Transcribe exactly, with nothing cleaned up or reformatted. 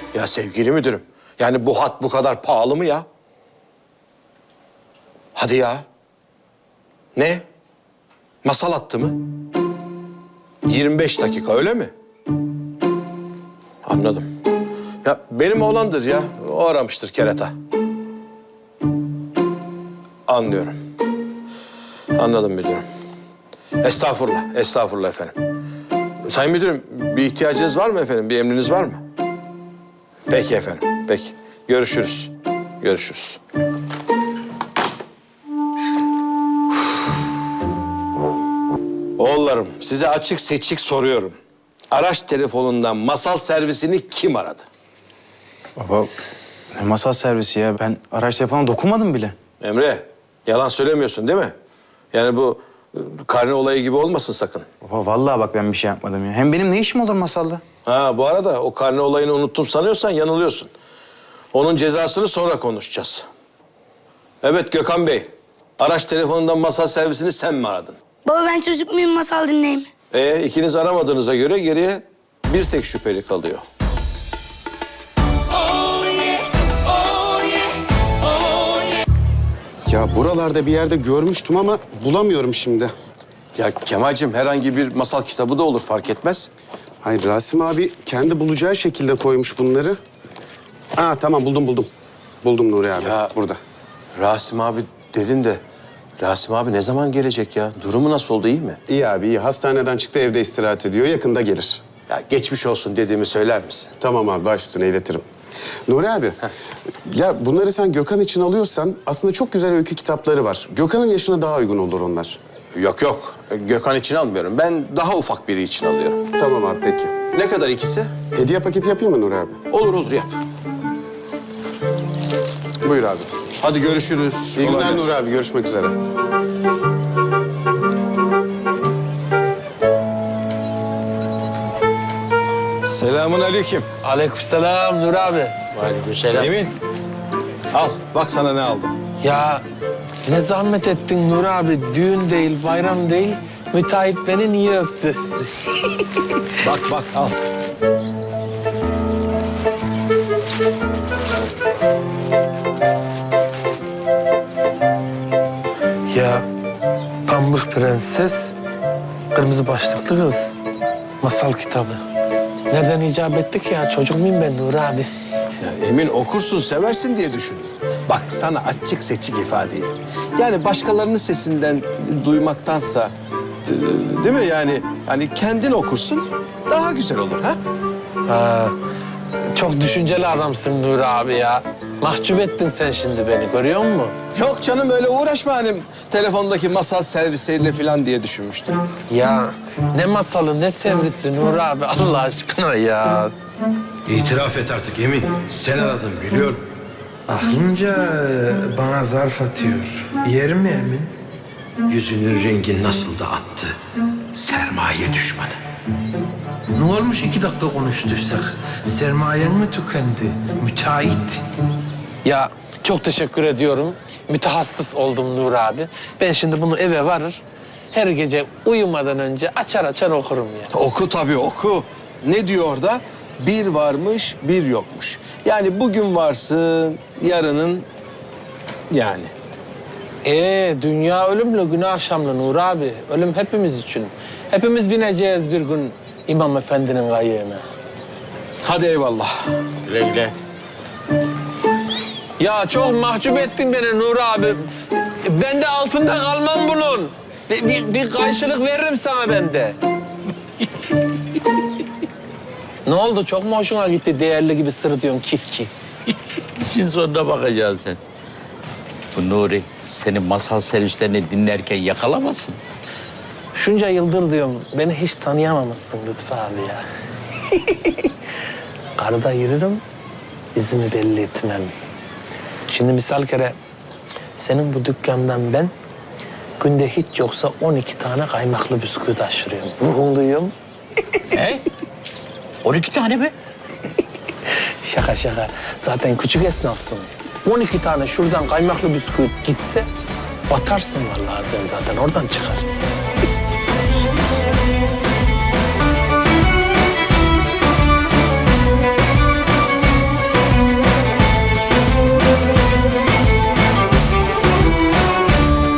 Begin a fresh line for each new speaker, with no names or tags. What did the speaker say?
Ya sevgili müdürüm, yani bu hat bu kadar pahalı mı ya? Hadi ya. Ne? Masal hattı mı? yirmi beş dakika öyle mi? Anladım. Ya benim oğlandır ya. O aramıştır kerata. Anlıyorum. Anladım müdürüm. Estağfurullah, estağfurullah efendim. Sayın müdürüm, bir ihtiyacınız var mı efendim? Bir emriniz var mı? Peki efendim, peki. Görüşürüz. Görüşürüz. Oğullarım, size açık seçik soruyorum. Araç telefonundan masal servisini kim aradı?
Baba, ne masal servisi ya? Ben araç telefonuna dokunmadım bile.
Emre, yalan söylemiyorsun değil mi? Yani bu e, karne olayı gibi olmasın sakın.
Baba vallahi bak ben bir şey yapmadım ya. Hem benim ne işim olur masalla?
Ha bu arada o karne olayını unuttum sanıyorsan yanılıyorsun. Onun cezasını sonra konuşacağız. Evet Gökhan Bey, araç telefonundan masal servisini sen mi aradın?
Baba ben çocuk muyum, masal dinleyeyim.
Ee, ikiniz aramadığınıza göre geriye bir tek şüpheli kalıyor.
Ya buralarda bir yerde görmüştüm ama bulamıyorum şimdi.
Ya Kemal'cim herhangi bir masal kitabı da olur fark etmez.
Hayır Rasim abi kendi bulacağı şekilde koymuş bunları. Aa tamam buldum buldum. Buldum Nuri abi
Ya-
burada.
Rasim abi dedin de Rasim abi ne zaman gelecek ya? Durumu nasıl oldu, iyi mi?
İyi abi iyi. Hastaneden çıktı, evde istirahat ediyor. Yakında gelir.
Ya geçmiş olsun dediğimi söyler misin?
Tamam abi baş üstüne iletirim. Nuri abi ya bunları sen Gökhan için alıyorsan aslında çok güzel öykü kitapları var. Gökhan'ın yaşına daha uygun olur onlar.
Yok yok Gökhan için almıyorum. Ben daha ufak biri için alıyorum.
Tamam abi peki.
Ne kadar ikisi?
Hediye paketi yapayım mı Nuri abi?
Olur olur yap.
Buyur abi.
Hadi görüşürüz.
İyi
Kolay
günler
gelsin.
Nuri abi. Görüşmek üzere.
Selamun aleyküm.
Aleykümselam Nur abi.
Aleykümselam.
Emin. Al bak sana ne aldım.
Ya ne zahmet ettin Nur abi. Düğün değil, bayram değil. Müteahhit beni niye öptü?
Bak bak al.
Ya Pamuk Prenses, kırmızı başlıklı kız. Masal kitabı. Nereden icap ettik ya? Çocuk muyum ben Nur abi?
Ya Emin okursun seversin diye düşündüm. Bak sana açık seçik ifade edeyim. Yani başkalarının sesinden duymaktansa e, değil mi yani hani kendin okursun daha güzel olur ha?
Ha, çok düşünceli adamsın Nur abi ya. Mahcup ettin sen şimdi beni, görüyor musun?
Yok canım öyle uğraşma hani telefondaki masal servisleriyle falan diye düşünmüştüm.
Ya ne masalı ne sevrisi Nur abi Allah aşkına ya.
İtiraf et artık Emin. Sen aradın biliyorum.
Aklınca bana zarf atıyor. Yer mi Emin?
Yüzünün rengi nasıl da attı. Sermaye düşmanı.
Ne olmuş iki dakika konuştuysak? Sermayen mi tükendi? Müteahhit.
Ya çok teşekkür ediyorum. Mütehassıs oldum Nur abi. Ben şimdi bunu eve varır. Her gece uyumadan önce açar açar okurum ya.
Oku tabii oku. Ne diyor orada? Bir varmış, bir yokmuş. Yani bugün varsın, yarının yani.
Ee, dünya ölümlü, günah akşamlı Nur abi. Ölüm hepimiz için. Hepimiz bineceğiz bir gün İmam Efendi'nin kayığına.
Hadi eyvallah.
Güle güle.
Ya çok mahcup ettin beni Nur abi. Ben de altında kalmam bunun. Bir, bir, bir karşılık veririm sana ben de. Ne oldu? Çok mu hoşuna gitti? Değerli gibi sırıtıyorsun ki ki.
İşin sonuna bakacaksın sen. Bu Nuri senin masal servislerini dinlerken yakalamasın.
Şunca yıldır diyorum, beni hiç tanıyamamışsın Lütfü abi ya. Karıda yürürüm, izimi belli etmem. Şimdi misal kere senin bu dükkandan ben günde hiç yoksa on iki tane kaymaklı bisküvi taşırıyorum. Bunu duyuyorum.
He? on iki tane mi?
Şaka şaka. Zaten küçük esnafsın. on iki tane şuradan kaymaklı bisküvi gitse batarsın vallahi sen zaten oradan çıkar.